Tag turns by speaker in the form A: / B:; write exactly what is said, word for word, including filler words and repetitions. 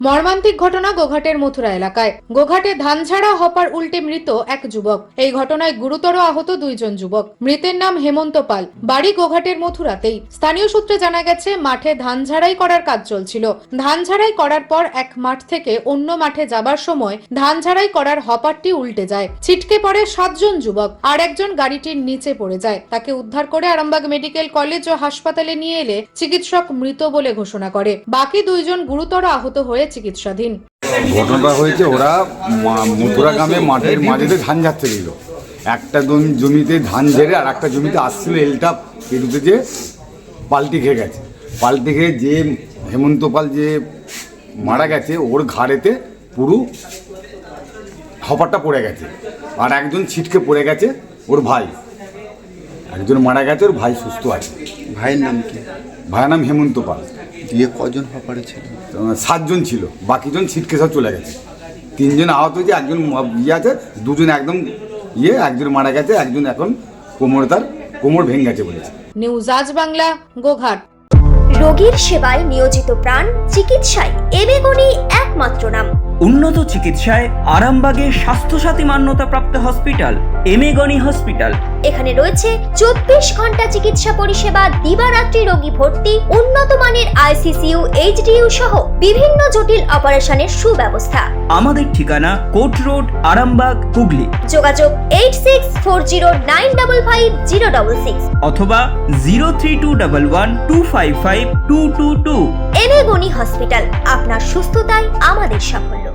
A: মর্মান্তিক ঘটনা গোঘাটের মথুরা এলাকায়। গোঘাটে ধান ঝাড়া হপার উল্টে মৃত এক যুবক। এই ঘটনায় গুরুতর আহত দুইজন যুবক। মৃতের নাম হেমন্ত পাল, বাড়ি গোঘাটের মথুরাতেই। স্থানীয় সূত্রে জানা গেছে, মাঠে ধান ঝাড়াই করার কাজ চলছিল। ধান ঝাড়াই করার পর এক মাঠ থেকে অন্য মাঠে যাবার সময় ধান ঝাড়াই করার হপারটি উল্টে যায়। ছিটকে পড়ে সাতজন যুবক, আর একজন গাড়িটির নিচে পড়ে যায়। তাকে উদ্ধার করে আরামবাগ মেডিকেল কলেজ ও হাসপাতালে নিয়ে এলে চিকিৎসক মৃত বলে ঘোষণা করে। বাকি দুইজন গুরুতর আহত হয়ে চিকিৎসাধীন।
B: ঘটনাটা হয়েছে, ওরা মথুরা গ্রামে মাঠের মাঝেতে ধান ঝাড়তে দিল। একটা জমিতে ধান ঝেড়ে আর একটা জমিতে আসছিল, এলটা পেরুতে যে পাল্টি খেয়ে গেছে। পাল্টি খেয়ে যে হেমন্ত পাল যে মারা গেছে, ওর ঘাড়েতে পুরো হপারটা পড়ে গেছে। আর একজন ছিটকে পড়ে গেছে, ওর ভাই। একজন মারা গেছে, ওর ভাই সুস্থ আছে।
C: ভাইয়ের নাম কি?
B: ভাইয়ের নাম হেমন্ত পাল।
C: দিয়ে কজন হপারে ছিল?
B: সাতজন ছিল, বাকিজন ছিটকে সব চলে গেছে। তিনজন আহত হয়েছে, একজন ইয়ে আছে, দুজন একদম ইয়ে, একজন মারা গেছে, একজন এখন কোমর তার কোমর ভেঙে গেছে বলেছে।
A: নিউজ আজ বাংলা, গোঘাট।
D: রোগীর সেবায় নিয়োজিত প্রাণ, চিকিৎসায় এবেগুনি একমাত্র নাম।
E: উন্নত চিকিৎসায় আরামবাগে স্বাস্থ্যসাথী মান্যতাপ্রাপ্ত হসপিটাল এমেগনি হসপিটাল।
D: এখানে রয়েছে চব্বিশ ঘন্টা চিকিৎসা পরিষেবা, দিবারাত্রি রোগী ভর্তি, উন্নত মানের আইসিসিইউ, এইচডিইউ সহ বিভিন্ন জটিল অপারেশনের সুব্যবস্থা।
E: আমাদের ঠিকানা কোট রোড, আরামবাগ, হুগলি।
D: যোগাযোগ eight six four zero nine double five zero double six
E: অথবা zero three two double one two five five two two two.
D: এবেগুনি হসপিটাল, আপনার সুস্থতাই আমাদের সাফল্য।